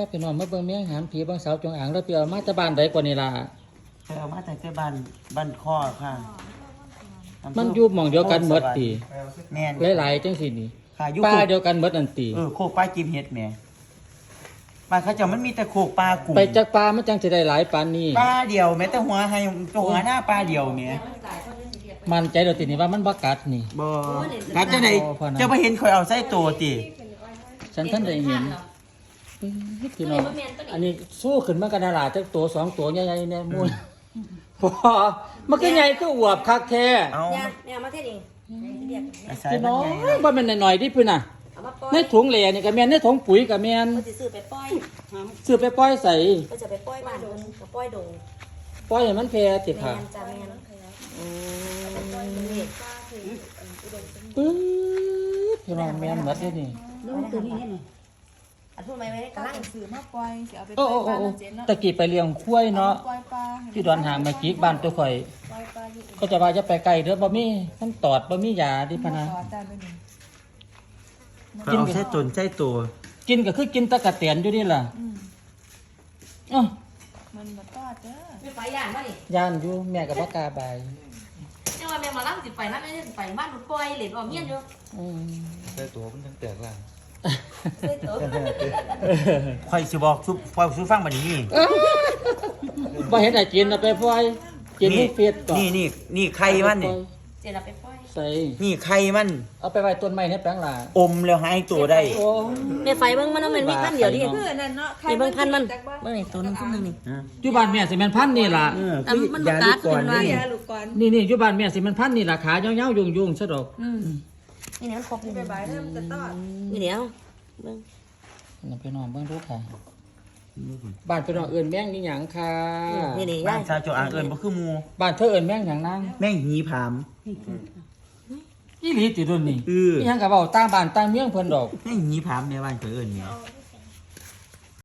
ครับพี่น้องมาเบิ่งแมงหามผีบางสาวจงอางแล้วไปเอามาจากบ้านใดกว่านี่ล่ะไปเอามาแต่บ้านข้อค่ะมันอยู่หม่องเดียวกันหมดติแม่นหลายๆจังซี่นี่ค่ะอยู่ป้าเดียวกันหมดนั่นติโคกปลากิมเฮ็ดแหม่บ้านเขาเจ้ามันมีแต่โคกปลากุ้งไปจากปลามันจังสิได้หลายปานนี้ปลาเดียวแม้แต่หัวให้ตัวหัวหน้าปลาเดียวแหม่มันใจเดี๋ยวตินี่ว่ามันบ่กัดนี่บ่กัดจังได๋เจ้าบ่เห็นข่อยเอาใส่ตัวติฉันท่านได้เห็นพี่น้องอันนี้สู้ขึ้นมากันน่ะล่ะจักตัว2ตัวใหญ่ๆแน่มูลพอมันก็ใหญ่ก็อวบคักแท้เอาแม่มาเทศเองพี่น้องบ่แม่นน้อยๆดิพุ่นน่ะในถุงเหล่นี่ก็แม่นในถุงปุ๋ยก็แม่นก็สิซื้อไปปล่อยซื้อไปปล่อยใส่ก็จะไปปล่อยบ้านดงกับปล่อยดงปล่อยให้มันแพร่ติค่ะแม่นจ้ะแม่นปึ๊ดพี่น้องแม่นหมดเด้นี่ลูกตัวนี้นี่อันพูดไหมไว้กำลังซื้อมาปล่อยสิเอาไปปโอ้ล่อยบ้านโอ้เจ๊เนาะตะกี้ไปเลี้ยงควายเนาะปล่อยปลาที่ดอนหางมาจิกบ้านตัวข่อยปล่อยปลาอยู่ก็จะว่าจะไปไกลเด้อบ่มีมันตอดบ่มียาดิพะนะต่อจานไปหนึ่งเอาใส่ตนใส่ตัวกินก็คือกินตะกะเตียนอยู่นี่ล่ะอ้อมันบ่ตอดเด้อไม่ไปย่านมาดิย่านอยู่แม่ก็บ่กล้าบายจังว่าแม่มาล้างสิไปนะแม่สิไปบ้านหนูปล่อยเหรียญออมเมียนอยู่ใส่ตัวมันทั้งแตกล่างเฮ้ยตัวข่อยสิบอกซุฟังบัดนี้บ่เห็นไอ้กินเอาไปปล่อยกินให้เฟียดก่อนนี่ไข่มันนี่เจ๊เราไปปล่อยใส่นี่ไข่มันเอาไปไว้ต้นไม้ในแปลงล่ะอมแล้วหายตัวได้โอ้แม่ไฟเบิ่งมันมันมีพันเดียวดิเพื่อนนั่นเนาะใครนี่เบิ่งพันมันจักบ้านเบิ่งไอ้ตัวนึงตัวนึงนี่อยู่บ้านแม่สิแม่นพันนี่ล่ะมันบ่กัดเป็นว่ายาลูกก่อนนี่อยู่บ้านแม่สิแม่นพันนี่ล่ะขายาวๆยุ่งๆซะดอกนี่เนี่ยมันครบนี่ไปบายเริ่มจะตอดนี่เดี๋ยวเบิ่งนั่นพี่น้องเบิ่งดูค่ะบ้านพี่น้องเอิ้นแม่งนี่หยังค่ะนี่นี่บ้าย่านชาวโจอ่างเอิ้นบ่คือหมู่บ้านเธอเอิ้นแม่งหยังนางแม่งหีผามอีหลีติรุ่นนี่เอออีหยังก็เว้าต่างบ้านต่างเมืองเพิ่นดอกแม่งหีผามแม่บ้านข่อยเอิ้นแม่